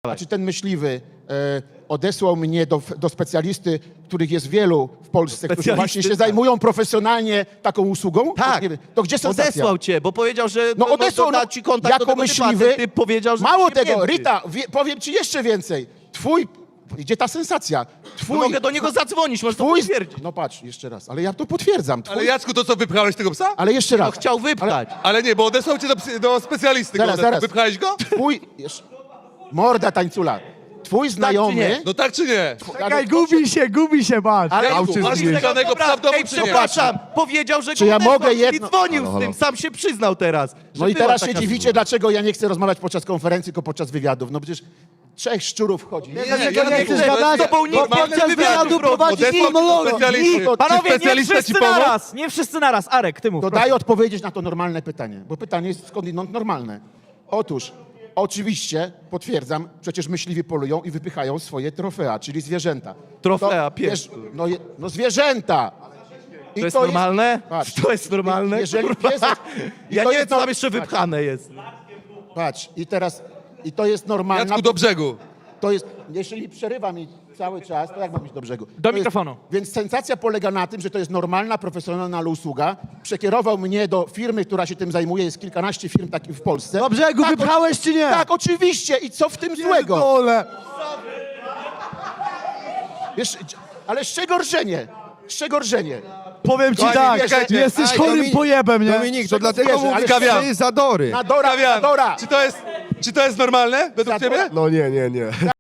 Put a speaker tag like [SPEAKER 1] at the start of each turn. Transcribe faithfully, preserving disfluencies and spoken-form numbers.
[SPEAKER 1] Czy ten myśliwy e, odesłał mnie do, do specjalisty, których jest wielu w Polsce, którzy
[SPEAKER 2] Specjalisty,
[SPEAKER 1] właśnie się
[SPEAKER 2] tak.
[SPEAKER 1] zajmują profesjonalnie taką usługą?
[SPEAKER 2] Tak.
[SPEAKER 1] To, nie wiem, to gdzie sensacja?
[SPEAKER 2] Odesłał cię, bo powiedział, że
[SPEAKER 1] No odesłał,
[SPEAKER 2] da
[SPEAKER 1] no,
[SPEAKER 2] ci kontakt
[SPEAKER 1] jako
[SPEAKER 2] do tego
[SPEAKER 1] myśliwy.
[SPEAKER 2] typa, ty powiedział, że
[SPEAKER 1] Mało
[SPEAKER 2] nie
[SPEAKER 1] tego,
[SPEAKER 2] wiem,
[SPEAKER 1] Rita, wie, powiem ci jeszcze więcej. Twój, gdzie ta sensacja? Twój,
[SPEAKER 2] No mogę do niego zadzwonić, możesz to
[SPEAKER 1] twój,
[SPEAKER 2] potwierdzić.
[SPEAKER 1] no patrz, jeszcze raz, ale ja to potwierdzam. Twój,
[SPEAKER 3] Ale
[SPEAKER 1] ale,
[SPEAKER 3] Jacku, to co, wypchałeś tego psa?
[SPEAKER 1] jeszcze raz.
[SPEAKER 2] No chciał wypchać.
[SPEAKER 3] Ale nie, bo odesłał cię do, psy- do specjalisty.
[SPEAKER 1] Zaraz,
[SPEAKER 3] go odesłał.
[SPEAKER 1] zaraz.
[SPEAKER 3] Wypchałeś go?
[SPEAKER 1] Twój, jeszcze, morda tańcula. Twój znajomy...
[SPEAKER 2] nie?
[SPEAKER 3] No tak czy nie?
[SPEAKER 4] Czekaj, gubi się, gubi się, patrz.
[SPEAKER 2] Ale
[SPEAKER 3] Jacku,
[SPEAKER 4] Autyzm
[SPEAKER 3] masz
[SPEAKER 4] jest.
[SPEAKER 3] wypchanego psa w domu,
[SPEAKER 2] Ej,
[SPEAKER 3] czy nie?
[SPEAKER 2] przepraszam, powiedział, że
[SPEAKER 1] Czy
[SPEAKER 2] go
[SPEAKER 1] ja
[SPEAKER 2] odesłał,
[SPEAKER 1] mogę
[SPEAKER 2] czyli
[SPEAKER 1] jedno-
[SPEAKER 2] dzwonił
[SPEAKER 4] Halo,
[SPEAKER 2] z
[SPEAKER 4] halo.
[SPEAKER 2] tym, sam się przyznał teraz. że
[SPEAKER 1] No i
[SPEAKER 2] była
[SPEAKER 1] teraz się
[SPEAKER 2] taka
[SPEAKER 1] dziwicie,
[SPEAKER 2] sytuacja.
[SPEAKER 1] dlaczego ja nie chcę rozmawiać podczas konferencji, tylko podczas wywiadów. No przecież trzech szczurów wchodzi.
[SPEAKER 3] Nie,
[SPEAKER 4] Dlaczego
[SPEAKER 3] ja
[SPEAKER 4] nie
[SPEAKER 3] nie
[SPEAKER 4] chcesz
[SPEAKER 3] chcę,
[SPEAKER 4] gadać?
[SPEAKER 2] to był nikt
[SPEAKER 4] Podczas
[SPEAKER 2] nie chce wywiadu
[SPEAKER 4] wywiadu
[SPEAKER 2] prowadzić.
[SPEAKER 4] prowadzić
[SPEAKER 3] Odesłał cię do
[SPEAKER 4] monolog.
[SPEAKER 3] specjalisty.
[SPEAKER 1] Nikt.
[SPEAKER 3] Czy
[SPEAKER 5] Panowie, nie
[SPEAKER 3] specjalista ci
[SPEAKER 5] wszyscy
[SPEAKER 3] pomógł?
[SPEAKER 5] naraz, nie wszyscy naraz. Arek, ty mów.
[SPEAKER 1] To daj odpowiedzieć na to normalne pytanie, bo pytanie jest skądinąd normalne. Otóż, oczywiście, potwierdzam, przecież myśliwi polują i wypychają swoje trofea, czyli zwierzęta.
[SPEAKER 2] Trofea,
[SPEAKER 1] To,
[SPEAKER 2] pies.
[SPEAKER 1] wiesz, no, je- no zwierzęta! I
[SPEAKER 2] To jest normalne?
[SPEAKER 1] patrz,
[SPEAKER 2] To jest normalne?
[SPEAKER 1] Jeżeli
[SPEAKER 2] Kurwa.
[SPEAKER 1] pies... i
[SPEAKER 2] Ja
[SPEAKER 1] to
[SPEAKER 2] nie wiem,
[SPEAKER 1] jest
[SPEAKER 2] co
[SPEAKER 1] no-
[SPEAKER 2] tam jeszcze wypchane jest.
[SPEAKER 1] Patrz, i teraz... I to jest normalne.
[SPEAKER 3] Jacku, do brzegu.
[SPEAKER 1] To jest, jeżeli przerywa mi cały czas, to jak mam iść do brzegu?
[SPEAKER 5] Do
[SPEAKER 1] To
[SPEAKER 5] mikrofonu.
[SPEAKER 1] Jest, więc sensacja polega na tym, że to jest normalna, profesjonalna usługa. Przekierował mnie do firmy, która się tym zajmuje. Jest kilkanaście firm takich w Polsce.
[SPEAKER 4] Do brzegu
[SPEAKER 1] Tak,
[SPEAKER 4] wypchałeś czy nie?
[SPEAKER 1] Tak, oczywiście. I co w tym złego?
[SPEAKER 4] Dole.
[SPEAKER 1] Wiesz, ale z czego rżenie? Z czego rżenie?
[SPEAKER 4] Powiem ci
[SPEAKER 1] Kochani,
[SPEAKER 4] tak,
[SPEAKER 1] wierzcie,
[SPEAKER 4] jesteś
[SPEAKER 1] aj,
[SPEAKER 4] chorym
[SPEAKER 1] Dominik-
[SPEAKER 4] pojebem, nie?
[SPEAKER 6] Dominik, to dlatego
[SPEAKER 1] Wierzę, ale
[SPEAKER 6] mówisz,
[SPEAKER 3] Kawian.
[SPEAKER 6] że jest zadory.
[SPEAKER 1] Nadora,
[SPEAKER 3] Kawian,
[SPEAKER 1] nadora!
[SPEAKER 3] czy to jest, czy to jest normalne według
[SPEAKER 1] Zadora?
[SPEAKER 3] ciebie?
[SPEAKER 6] No nie, nie, nie.